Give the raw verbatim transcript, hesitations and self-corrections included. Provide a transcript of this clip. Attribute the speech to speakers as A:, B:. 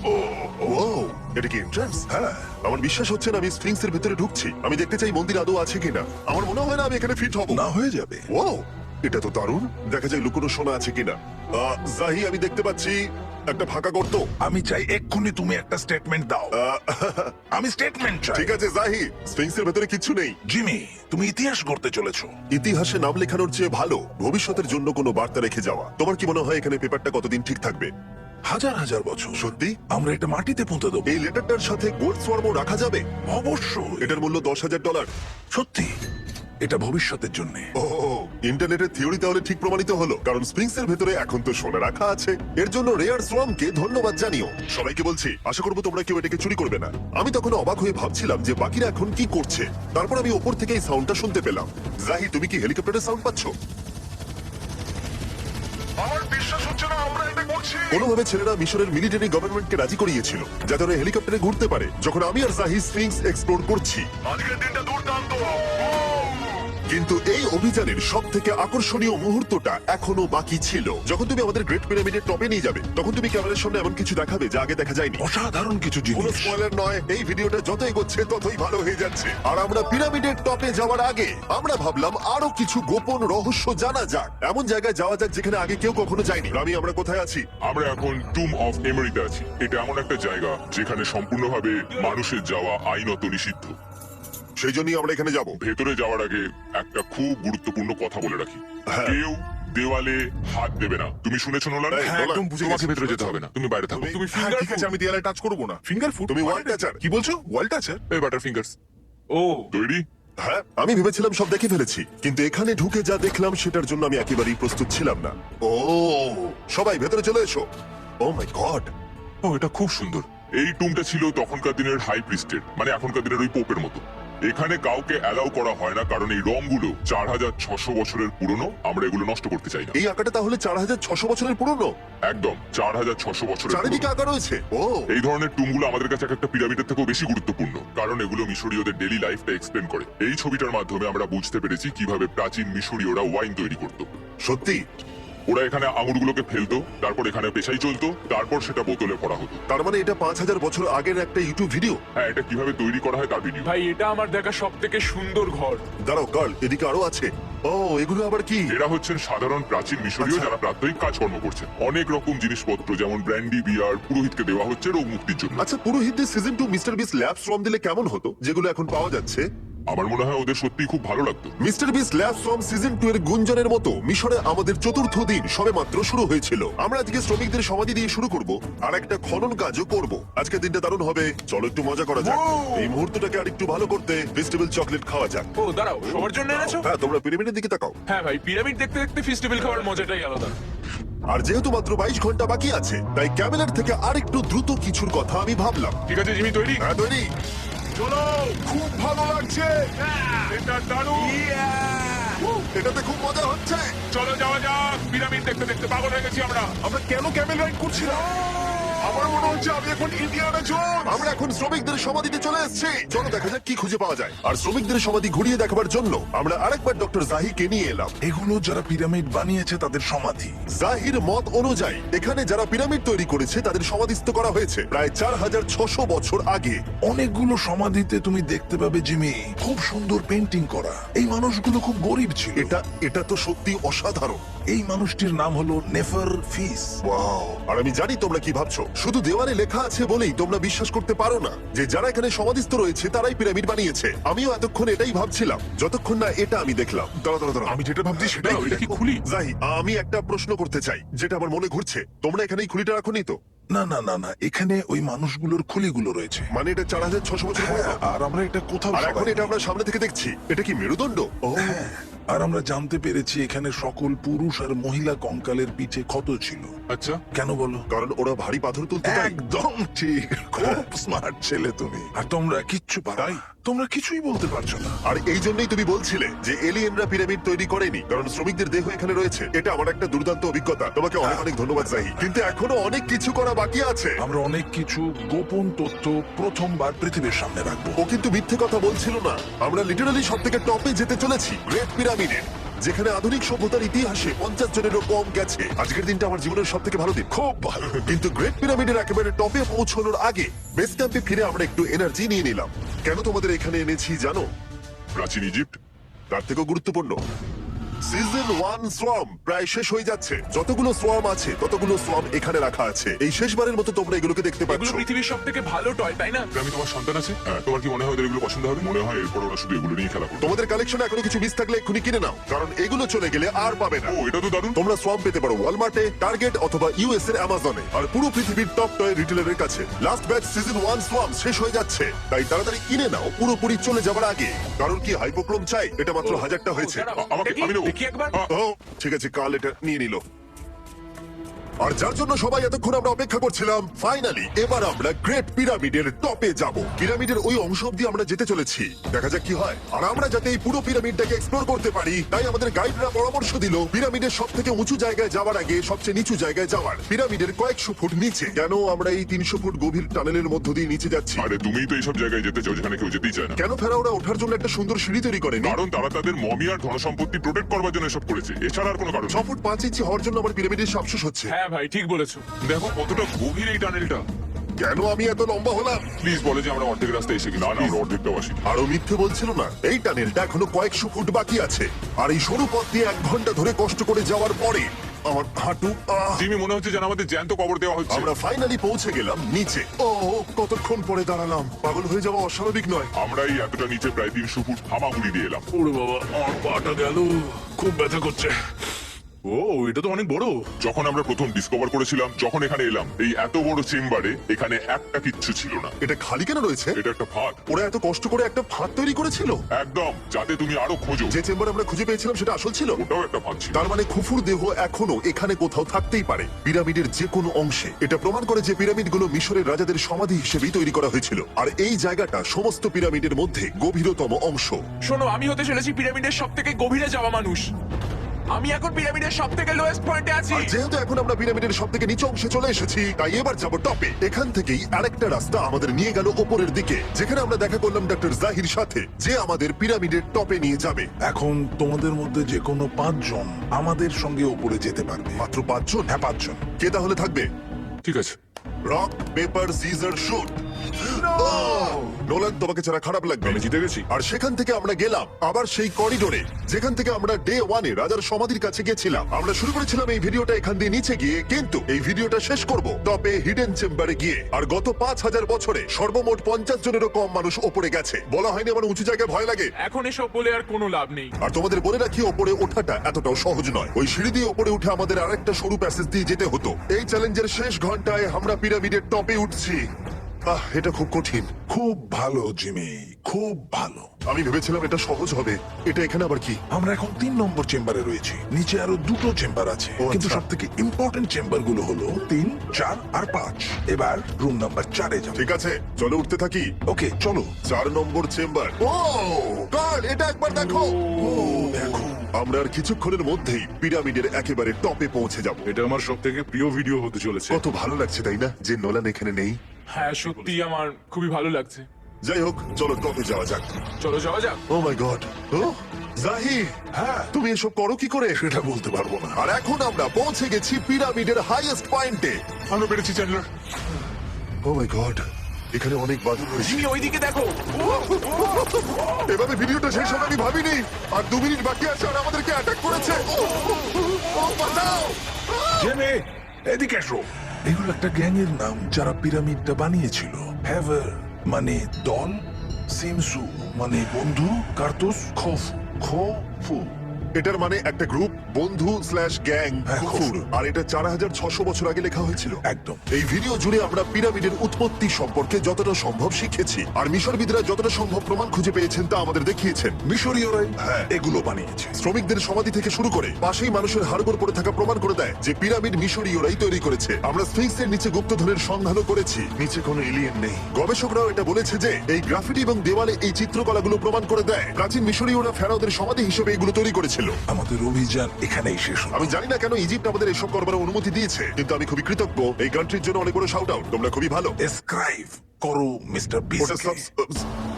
A: ও এটা কি এন্ট্রান্স? হ্যাঁ, আমার বিশ্বাস হচ্ছে না আমি স্ফিংস এর ভেতরে ঢুকছি। আমি দেখতে চাই মন্দির আদৌ আছে কিনা। আমার মনে হয় না আমি এখানে ফিট হব।
B: না, হয়ে যাবে।
A: ও এটা তো দারুণ। দেখা যায় লুকোনো সোনা আছে কিনা। আহ, জাহি আমি দেখতে পাচ্ছি একটা ফাঁকা গর্ত।
B: আমি চাই এক্ষুনি তুমি একটা স্টেটমেন্ট দাও।
A: আহ,
B: আমি স্টেটমেন্ট চাই।
A: ঠিক আছে জাহি, স্ফিংস এর ভেতরে কিচ্ছু নেই।
B: জিমি, তুমি ইতিহাস গড়তে চলেছো।
A: ইতিহাসে নাম লেখানোর চেয়ে ভালো ভবিষ্যতের জন্য কোনো বার্তা রেখে যাওয়া। তোমার কি মনে হয় এখানে পেপারটা কতদিন ঠিক থাকবে?
B: হাজার হাজার বছর।
A: সত্যি?
B: আমরা এটা মাটিতে পুঁতে দেবো।
A: এই লেটারটার সাথে গোল্ড সোয়ার্মও রাখা যাবে?
B: অবশ্যই।
A: এটার মূল্য দশ হাজার ডলার।
B: সত্যি, এটা ভবিষ্যতের জন্য।
A: ও ইন্টারনেটের থিওরি তাহলে ঠিক প্রমাণিত হলো, কারণ স্প্রিংস এর ভেতরে এখন তো সোনা রাখা আছে। এর জন্য রেয়ার সোয়ামকে ধন্যবাদ জানিও। সবাইকে বলছি, আশা করবো তোমরা কেউ এটাকে চুরি করবে না। আমি তখন অবাক হয়ে ভাবছিলাম যে বাকিরা এখন কি করছে। তারপর আমি ওপর থেকে এই সাউন্ডটা শুনতে পেলাম। জাহি, তুমি কি হেলিকপ্টারের সাউন্ড পাচ্ছ?
B: আমার বিশ্বাস হচ্ছে না আমরা এটা করছি।
A: কোনোভাবে ছেলেরা মিশরের মিলিটারি গভর্নমেন্টকে রাজি করিয়েছিল যাতে ওরা হেলিকপ্টারে ঘুরতে পারে যখন আমি আর জাহি স্ফিংস এক্সপ্লোর করছি।
B: আজকের দিনটা দুর্দান্ত।
A: কিন্তু এই অভিযানের সব থেকে আকর্ষণীয় মুহূর্তটা এখনো বাকি ছিল। যখন তুমি আমাদের গ্রেট পিরামিডের টপে নিয়ে যাবে তখন তুমি ক্যামেরার সামনে এমন কিছু দেখাবে যা আগে দেখা যায়নি।
B: অসাধারণ কিছু
A: কোনো
B: জিনিস।
A: স্পয়লার নয়, এই ভিডিওটা যত এগোচ্ছে ততই ভালো হয়ে যাচ্ছে। আর আমরা পিরামিডের টপে যাওয়ার আগে আমরা ভাবলাম আরো কিছু গোপন রহস্য জানা যাক। এমন জায়গায় যাওয়া যাক যেখানে আগে কেউ কখনো যায়নি। আমি আমরা কোথায় আছি?
C: আমরা এখন টুম অফ এমরিতে আছি। এটা এমন একটা জায়গা যেখানে সম্পূর্ণভাবে মানুষের যাওয়া আইনত নিষিদ্ধ।
A: সেই জন্যই আমরা এখানে যাব।
C: ভেতরে যাওয়ার আগে একটা খুব গুরুত্বপূর্ণ কথা বলে রাখি,
A: হ্যাঁ।
C: কেউ দেওয়ালে হাত দেবে না। তুমি শুনেছো নোলান?
A: হ্যাঁ,
C: নোলান,
A: একদম বুঝে
C: তোমাকে
A: গেছি।
C: ভেতরে যেতে হবে না, তুমি বাইরে থাকো।
A: তুমি-
C: তুমি
B: হ্যাঁ,
C: ফিঙ্গার
B: ঠিক আছে, আমি দেয়ালে টাচ করবো না। Finger food.
A: তুমি ওয়াল টাচার।
B: কি বলছো? ওয়াল টাচার?
C: এই বাটার ফিঙ্গারস।
B: ও,
C: তৈরি?
A: হ্যাঁ, আমি ভেবেছিলাম সব দেখে ফেলেছি, কিন্তু এখানে ঢুকে যা দেখলাম সেটার জন্য আমি একেবারেই প্রস্তুত ছিলাম না। ও সবাই ভেতরে চলে এসো। ও মাই গড,
C: ও, এটা খুব সুন্দর। এই টুমটা ছিল তখনকার দিনের হাই প্রিস্টের, মানে এখনকার দিনের ওই পোপের মতো। এখানে কাউকে অ্যালাউ করা হয় না কারণ এই রংগুলো চার হাজার ছশো বছরের পুরনো। আমরা এগুলো নষ্ট করতে চাই না।
A: এই আঁকাটা তাহলে চার হাজার ছশো বছরের পুরনো?
C: একদম চার হাজার ছশো বছরের
A: চারিদিকে
C: পুরনো।
A: আঁকা রয়েছে। ও
C: এই ধরনের টুমগুলো আমাদের কাছে এক একটা পিরামিডের থেকেও বেশি গুরুত্বপূর্ণ, কারণ এগুলো মিশরীয়দের ডেইলি লাইফটা এক্সপ্লেন করে। এই ছবিটার মাধ্যমে আমরা বুঝতে পেরেছি কিভাবে প্রাচীন মিশরীয়রা ওয়াইন তৈরি করত।
A: সত্যি?
C: ওরা এখানে আঙুরগুলোকে ফেলতো, তারপর এখানে পেশাই চলতো, তারপর সেটা বোতলে ভরা হতো।
A: তার মানে এটা পাঁচ হাজার বছর আগের একটা ইউটিউব ভিডিও।
C: হ্যাঁ, এটা কিভাবে তৈরি করা হয় তার ভিডিও।
D: ভাই এটা আমার দেখা সব থেকে সুন্দর ঘর।
A: দাঁড়াও গার্ল, এদিকে আরো আছে। ও এগুলো আবার কি?
C: এরা হচ্ছেন সাধারণ প্রাচীন মিশরীয়
A: আচ্ছা।
C: যারা প্রাত্যহিক কাজকর্ম করছেন। অনেক রকম জিনিসপত্র যেমন ব্র্যান্ডি বিয়ার পুরোহিতকে দেওয়া হচ্ছে রোগ মুক্তির জন্য।
A: আচ্ছা, পুরোহিতদের সিজন টু মিস্টার বিস ল্যাব শ্রম দিলে কেমন হতো, যেগুলো এখন পাওয়া যাচ্ছে?
C: আমার মনে হয় ওদের সত্যি খুব ভালো লাগতো।
A: মিস্টার বিস ল্যাব শ্রম সিজন টু এর গুঞ্জনের মতো মিশরে আমাদের চতুর্থ দিন সবে মাত্র শুরু হয়েছিল। আমরা আজকে শ্রমিকদের সমাধি দিয়ে শুরু করব আর একটা খনন কাজও করব। আজকের দিনটা দারুণ হবে, চলো একটু মজা করা যাক। এই মুহূর্তটাকে আর একটু ভালো করতে ফেস্টিভ্যাল চকলেট খাওয়া যাক।
D: ও দাঁড়াও, সবার জন্য এনেছো?
A: হ্যাঁ, তোমরা পিরামিডের দিকে তাকাও।
D: হ্যাঁ ভাই, পিরামিড দেখতে দেখতে ফেস্টিভ্যাল খাওয়ার মজাটাই আলাদা।
A: আর যেহেতু মাত্র বাইশ ঘন্টা বাকি আছে তাই ক্যামেলার থেকে আরেকটু দ্রুত কিছুর কথা আমি ভাবলাম।
C: ঠিক আছে জিমি, তৈরি?
A: হ্যাঁ তৈরি।
C: চলো, খুব ভালো লাগছে। এটা দারুণ।
A: এটাতে খুব মজা হচ্ছে।
C: চলো যাওয়া যাক। পিরামিড দেখতে দেখতে পাগল হয়ে গেছি আমরা।
B: আমরা কেন ক্যামেল রাইড করছিলাম? আমার মনে হচ্ছে আমি এখন ইন্ডিয়ানা জোন্স।
A: আমরা এখন শ্রমিকদের সমাধিতে চলে এসেছি। চলো দেখা যাক কি খুঁজে পাওয়া যায়। আর শ্রমিকদের সমাধি ঘুরিয়ে দেখাবার জন্য আমরা আরেকবার ডক্টর জাহিকে নিয়ে এলাম।
B: এগুলো যারা পিরামিড বানিয়েছে তাদের সমাধি।
A: জাহির মত অনুযায়ী এখানে যারা পিরামিড তৈরি করেছে তাদের সমাধিস্থ করা হয়েছে প্রায় চার হাজার ছশো বছর আগে।
B: অনেকগুলো সমাধিতে তুমি দেখতে পাবে জিমি খুব সুন্দর পেন্টিং করা। এই মানুষগুলো খুব গরিব ছিল।
A: এটা এটা তো সত্যি অসাধারণ।
B: এই মানুষটির নাম হলো নেফার ফিস।
A: ওয়াও! আর আমি জানি তোমরা কি ভাবছো। শুধু দেওয়ালে লেখা আছে বলেই তোমরা বিশ্বাস করতে পারো না যে যারা এখানে সমাধিস্থ রয়েছে তারাই পিরামিড বানিয়েছে। আমিও এতক্ষণ এটাই ভাবছিলাম যতক্ষণ না এটা আমি দেখলাম। দাঁড়া দাঁড়া দাঁড়া,
B: আমি যেটা ভাবছি সেটাই।
C: দাঁড়াও, এটা কি খুলি?
A: জাহি, আমি একটা প্রশ্ন করতে চাই যেটা আমার মনে ঘুরছে। তোমরা এখানে এই খুলিটা রাখোনি তো?
B: না না না না, এখানে ওই মানুষগুলোর খুলিগুলো রয়েছে।
A: মানে এটা চার হাজার ছশো বছর
B: হ্যাঁ,
A: পুরনো।
B: আর আমরা এটা কোথাও
A: আর এখন
B: সবাই-
A: এটা আমরা সামনে থেকে দেখছি। এটা কি মেরুদণ্ড? ও
B: হ্যাঁ, আর আমরা জানতে পেরেছি এখানে সকল পুরুষ আর মহিলা কঙ্কালের পিঠে ক্ষত ছিল।
C: আচ্ছা,
B: কেন বলো?
A: কারণ ওরা ভারী পাথর তুলতে পারে।
B: একদম ঠিক, খুব স্মার্ট ছেলে তুমি। আর তোমরা কিচ্ছু পারো না। তোমরা কিছুই বলতে পারছো না।
A: আর এই জন্যই তুমি বলছিলে যে এলিয়েনরা পিরামিড তৈরি করেনি, কারণ শ্রমিকদের দেহ এখানে রয়েছে। এটা আমার একটা দুর্দান্ত অভিজ্ঞতা। তোমাকে অনেক অনেক ধন্যবাদ জাহি। কিন্তু এখনো অনেক কিছু করা বাকি আছে।
B: আমরা অনেক কিছু গোপন তথ্য প্রথমবার পৃথিবীর সামনে রাখবো।
A: ও কিন্তু মিথ্যে কথা বলছিল না। আমরা লিটারালি সব থেকে টপে যেতে চলেছি, গ্রেট পিরামিডে। যেখানে আধুনিক সভ্যতার ইতিহাসে পঞ্চাশ জনেরও কম গেছে। আজকের দিনটা আমার জীবনের সব থেকে ভালো দিন, খুব ভালো। কিন্তু গ্রেট পিরামিডের একেবারে টপে পৌঁছানোর আগে বেস ক্যাম্পে ফিরে আমরা একটু এনার্জি নিয়ে নিলাম। কেন তোমাদের এখানে এনেছি জানো?
C: প্রাচীন ইজিপ্ট।
A: তার থেকেও গুরুত্বপূর্ণ, সিজন ওয়ান সোয়াম প্রায় শেষ হয়ে যাচ্ছে। যতগুলো সোয়াম আছে ততগুলো সোয়াম এখানে রাখা আছে। এই শেষবারের মতো তোমরা এগুলোকে দেখতে পাচ্ছ।
D: এগুলো পৃথিবীর সব থেকে ভালো টয়, তাই না?
C: আমি তোমার সন্তান আছে, হ্যাঁ, তোমার কি মনে হয় ওদের এগুলো পছন্দ হবে? মনে হয় এরপর ওরা শুধু এগুলো নিয়ে খেলা করবে।
A: তোমাদের কালেকশনে এখনো কিছু মিস থাকলে এক্ষুনি কিনে নাও, কারণ এগুলো চলে গেলে আর পাবে না।
C: ও, এটা তো দারুণ।
A: তোমরা সোয়াম পেতে পারো ওয়ালমার্টে, টার্গেট অথবা ইউএস এর অ্যামাজনে, আর পুরো পৃথিবীর টপ টয় রিটেলারের কাছে। লাস্ট ব্যাচ সিজন ওয়ান সোয়াম শেষ হয়ে যাচ্ছে, তাই তাড়াতাড়ি কিনে নাও পুরোপুরি চলে যাবার আগে। কারণ কি হাইপোক্রোম চাই? এটা মাত্র হাজারটা হয়েছে।
D: দাঁড়াও,
C: আ- আমাকে-
D: দেখি-
C: আমি নেবো।
D: দেখি একবার।
C: আ-
A: ও ঠিক আছে, কাল এটা নিয়ে নিল। আর যার জন্য সবাই এতক্ষণ আমরা অপেক্ষা করছিলাম, ফাইনালি এবার আমরা গ্রেট পিরামিডের টপে যাব। পিরামিডের ওই অংশ অব্দি আমরা যেতে চলেছি, দেখা যাক কি হয়। আর আমরা যাতে এই পুরো পিরামিডটাকে এক্সপ্লোর করতে পারি, তাই আমাদের গাইডরা পরামর্শ দিল পিরামিডের সব থেকে উঁচু জায়গায় যাওয়ার আগে সবচেয়ে নিচু জায়গায় যাওয়ার। পিরামিডের কয়েকশো ফুট নিচে। কেন আমরা এই তিনশো ফুট গভীর টানেলের মধ্য দিয়ে নিচে যাচ্ছি?
C: আরে তুমিই তো এইসব জায়গায় যেতে চাও যেখানে কেউ যেতেই চায় না।
A: কেন ফেরাওরা ওঠার জন্য একটা সুন্দর সিঁড়ি তৈরি করেনি?
C: কারণ তারা তাদের মমি আর ধনসম্পত্তি প্রোটেক্ট করবার জন্য এসব করেছে, এছাড়া আর কোনো কারণ
A: ছ
C: নেই।
A: ফুট পাঁচ ইঞ্চি হওয়ার জন্য আমার পিরামিডের সাপসুস হচ্ছে।
D: হ্যাঁ ভাই, ঠিক বলেছো।
C: দেখো কতটা গভীর এই টানেলটা।
A: কেন আমি এত লম্বা হলাম?
C: প্লিজ বলে যে আমরা অর্ধেক রাস্তায় এসে গেছি। না না, আমরা অর্ধেকটাও আসি।
A: আরো মিথ্যে বলছিল না। এই টানেলটা এখনো কয়েকশো ফুট বাকি আছে, আর এই সরু পথ দিয়ে এক ঘন্টা ধরে কষ্ট করে যাওয়ার পরে আমার হাঁটু আহ!
C: জিমি, মনে হচ্ছে যেন আমাদের জ্যান্ত কবর দেওয়া হচ্ছে।
A: আমরা ফাইনালি পৌঁছে গেলাম নিচে। ও কতক্ষণ পরে দাঁড়ালাম, পাগল হয়ে যাওয়া অস্বাভাবিক নয়।
C: আমরা এই এতটা নিচে প্রায় তিনশো ফুট হামাগুড়ি দিয়ে এলাম।
B: ওরে বাবা, আমার পাটা গেল, খুব ব্যথা করছে। ও, এটা তো অনেক বড়।
C: যখন আমরা প্রথম ডিসকভার করেছিলাম, যখন এখানে এলাম, এই এত বড় চেম্বারে এখানে একটা কিচ্ছু ছিল না।
A: এটা খালি কেন রয়েছে?
C: এটা একটা ফাঁদ।
A: ওরা এত কষ্ট করে একটা ফাঁদ তৈরি করেছিল।
C: একদম, যাতে তুমি আরো খোঁজো।
A: যে চেম্বার আমরা খুঁজে পেয়েছিলাম সেটা আসল ছিল।
C: ওটাও একটা ফাঁদ ছিল।
A: তার মানে খুফুর দেহ এখনো এখানে কোথাও থাকতেই পারে, পিরামিডের যে কোনো অংশে। এটা প্রমাণ করে যে পিরামিডগুলো মিশরের রাজাদের সমাধি হিসেবেই তৈরি করা হয়েছিল, আর এই জায়গাটা সমস্ত পিরামিডের মধ্যে গভীরতম অংশ।
D: শোনো, আমি হতে চলেছি পিরামিডের সব থেকে গভীরে যাওয়া মানুষ। আমি এখন পিরামিডের সব থেকে লোয়েস্ট পয়েন্টে আছি।
A: আর যেহেতু এখন আমরা পিরামিডের সব থেকে নিচু অংশে চলে এসেছি, তাই এবার যাবো টপে। এখান থেকেই আরেকটা রাস্তা আমাদের নিয়ে গেল ওপরের দিকে, যেখানে আমরা দেখা করলাম ডক্টর জাহির সাথে, যে আমাদের পিরামিডের টপে নিয়ে যাবে।
B: এখন তোমাদের মধ্যে যে কোনো পাঁচজন আমাদের সঙ্গে উপরে যেতে পারবে।
A: মাত্র পাঁচজন?
B: হ্যাঁ, পাঁচজন।
A: কে তাহলে থাকবে?
C: ঠিক আছে।
A: Rock paper scissor shoot. Nolan, তোমাকে ছাড়া খারাপ লাগবে।
C: আমি জিতে গেছি।
A: আর সেখান থেকে আমরা গেলাম আবার সেই করিডোরে, যেখান থেকে আমরা ডে ওয়ানে রাজার সমাধির কাছে গেছিলাম। আমরা শুরু করেছিলাম এই ভিডিওটা এখান দিয়ে নিচে গিয়ে, কিন্তু এই ভিডিওটা শেষ করব টপে হিডেন চেম্বারে গিয়ে। আর গত পাঁচ হাজার বছরে সর্বমোট পঞ্চাশ জনেরও কম মানুষ ওপরে গেছে। বলা হয়নি আমার উঁচু জায়গায় ভয় লাগে?
D: এখন এসব বলে আর কোনো লাভ নেই।
A: আর তোমাদের বলে রাখি, ওপরে ওঠাটা এতটাও সহজ নয়। ওই সিঁড়ি দিয়ে ওপরে উঠে আমাদের আরেকটা সরু প্যাসেজ দিয়ে যেতে হতো। এই চ্যালেঞ্জের শেষ ঘন্টায় আমরা পিরামিডের টপে উঠছি। আহ, এটা খুব কঠিন।
B: খুব ভালো জিমি, খুব ভালো।
A: আমি ভেবেছিলাম এটা সহজ হবে। এটা এখানে আবার কি?
B: আমরা এখন তিন নম্বর চেম্বারে রয়েছি। নিচে আরো দুটো চেম্বার আছে,
A: ও,
B: কিন্তু
A: আচ্ছা।
B: সব থেকে ইম্পর্টেন্ট চেম্বার গুলো হলো তিন, চার আর পাঁচ। এবার রুম নাম্বার চারে যাবো।
A: ঠিক আছে, চলো উঠতে থাকি।
B: ওকে, চলো।
A: চার নম্বর চেম্বার। ও গড, এটা একবার দেখো।
B: ও দেখো,
A: আমরা আর কিছুক্ষণের মধ্যেই পিরামিডের একেবারে টপে পৌঁছে যাব।
E: এটা আমার সব থেকে প্রিয় ভিডিও হতে চলেছে।
A: কত ভালো লাগছে তাই না, যে নোলান এখানে নেই।
D: হ্যাঁ, সত্যি আমার খুবই ভালো লাগছে।
A: যাই হোক, চলো টপে যাওয়া যাক।
D: চলো যাওয়া যাক।
A: ও মাই গড, ও জাহির,
B: হ্যাঁ,
A: তুমি এসব করো কি করে?
B: সেটা বলতে পারবো না।
A: আর এখন আমরা পৌঁছে গেছি পিরামিডের হাইয়েস্ট পয়েন্টে।
C: আমরা পেরেছি চ্যান্ডলার।
A: ও মাই গড, এখানে অনেক বাধা রয়েছে।
D: জিমি, ওইদিকে দেখো।
A: এভাবে ভিডিওটা শেষ হবে আমি ভাবিনি। আর দু মিনিট বাকি আছে আর আমাদেরকে অ্যাটাক করেছে। ও, ও, ও, বাঁচাও!
B: জেনে, এদিকে এসো। এগুলো একটা গ্যাং এর নাম, যারা পিরামিডটা বানিয়েছিল। হ্যাভার মানে দল, সিমসু মানে বন্ধু, কার্তুস খোফু খোফু।
A: এটার মানে একটা গ্রুপ, বন্ধু স্ল্যাশ গ্যাং,
B: হ্যাঁ,
A: কুকুর।
B: কুকুর।
A: আর এটা চার হাজার ছশো বছর আগে লেখা হয়েছিল।
B: একদম।
A: এই ভিডিও জুড়ে আমরা পিরামিডের উৎপত্তি সম্পর্কে যতটা সম্ভব শিখেছি, আর মিশরবিদরা যতটা সম্ভব প্রমাণ খুঁজে পেয়েছেন তা আমাদের দেখিয়েছেন।
B: মিশরীয়রাই
A: হ্যাঁ।
B: এগুলো বানিয়েছে।
A: শ্রমিকদের সমাধি থেকে শুরু করে পাশেই মানুষের হাড়গোড় পড়ে থাকা প্রমাণ করে দেয় যে পিরামিড মিশরীয়রাই তৈরি করেছে। আমরা স্ফিংসের নিচে গুপ্তধনের সন্ধানও করেছি, নিচে কোনো এলিয়েন নেই। গবেষকরাও এটা বলেছে যে এই গ্রাফিটি এবং দেওয়ালে এই চিত্রকলাগুলো প্রমাণ করে দেয় প্রাচীন মিশরীয়রা ফেরাওদের সমাধি হিসেবে এগুলো তৈরি করেছিল।
B: আমাদের অভিযান এখানেই শেষ হলো।
A: আমি জানি না কেন ইজিপ্ট আমাদের এসব করবার অনুমতি দিয়েছে, কিন্তু আমি খুবই কৃতজ্ঞ। এই কান্ট্রির জন্য অনেক বড় শাউট আউট, তোমরা খুবই ভালো।
B: এসক্রাইব করো মিস্টার
A: ওটা
B: বিসকে।
A: সাবস-